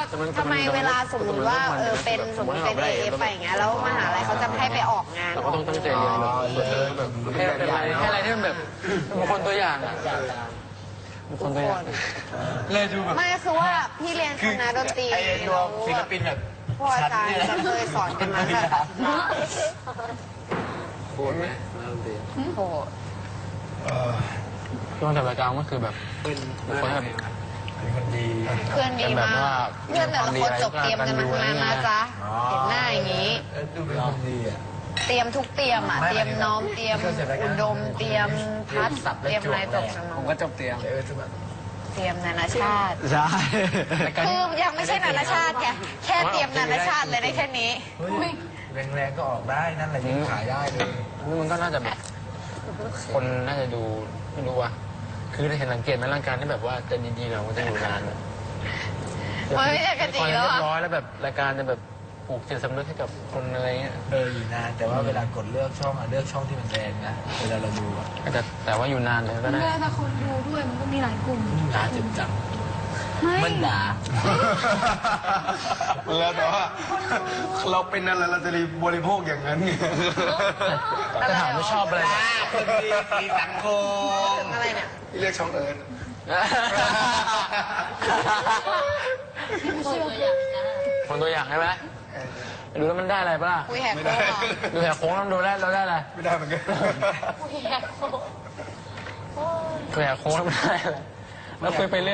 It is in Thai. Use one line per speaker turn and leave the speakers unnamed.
ทำไมเวลาสมมติว่าเป็นสมมติเป็นเอฟไปอย่างเงี้ยแล้วมหาลัยเขาจะให้ไปออกงาน
เราก็ต้องตั้งใจเรียนแบบให้อะไรที่มันแบบบุคคลตัวอย่างอะบุคคลตัวอย่างเลยดูแบบ
ไม่คือว่าพี่เรียนคณะดนตรี
ไอ้ตัวศิลปินแบบ
พวกอาจารย์จะเคยสอนกันมาแบบ
โคตรไหมนักดนตรี
โห
ช่วงแต่ละกลางก็คือแบบบุคคลแบบ
เป็นคนดี
เพื่อนดีมากเพื่อนแต่ละคนจบเตรียมกันมาทั้งนั้นนะจ๊ะเห็นหน้าอย่างนี้
ดูเป็นคนดีอ่ะ
เตรียมทุกเตรียมอ่ะเตรียมน้อมเตรียมอุดมเตรียมพัดเตรียมอะไรจบสม
ผมก็จบเตรียม
เตรียมนานาชาติ
ใช่
คือยังไม่ใช่นานาชาติไงแค่เตรียมนานาชาติเลยได้แค่นี้
แรงๆก็ออกได้นั่นแหละยังขายได้เลย
นี่มันก็น่าจะแบบคนน่าจะดูไม่รู้ว่ะคือเห็นสังเกตไหมร่างกายที่แบบว่าจะดีๆเรามันจะอยู่นาน
ไม่ใช่กันจริง
เรี
แล้
ยว บ
อะ
ร้อยแล้วแบบรายการจะแบบปลูกจิตสำนึกให้กับคนอะไรเงี้ย
อยู่นานแต่ว่าเวลากดเลือกช่องเลือกช่องที่มันแรงนะเวลาเราดูอ่ะ
แต่ว่าอยู่นานเลยก็ได้
แต่คนดูด้วยมันก็มีหลายกลุ่ม
ด่าเจ็บจัง
ไม่
มันด่า
แล้วแต่ว่าเราเป็นอะไรเราจะบริโภคอย่างนั้นไง
แต่ถามว่าชอบอะไร
คนดีสีสังคม
อะไรเนี่ย
เรียกช่องเอิร์น
คนตัวอย่างใช่ไหมดูแล้วมันได้อะไรปะล่ะ
คุยแหกโค้งเหรอ
ดูแหกโค้งแล้วดูได้เราได้อะไร
ไม่ได้เหมือนกัน
ดูแหกโค้งแล้วมันได้อะไรแล้วคุยไปเรื่อย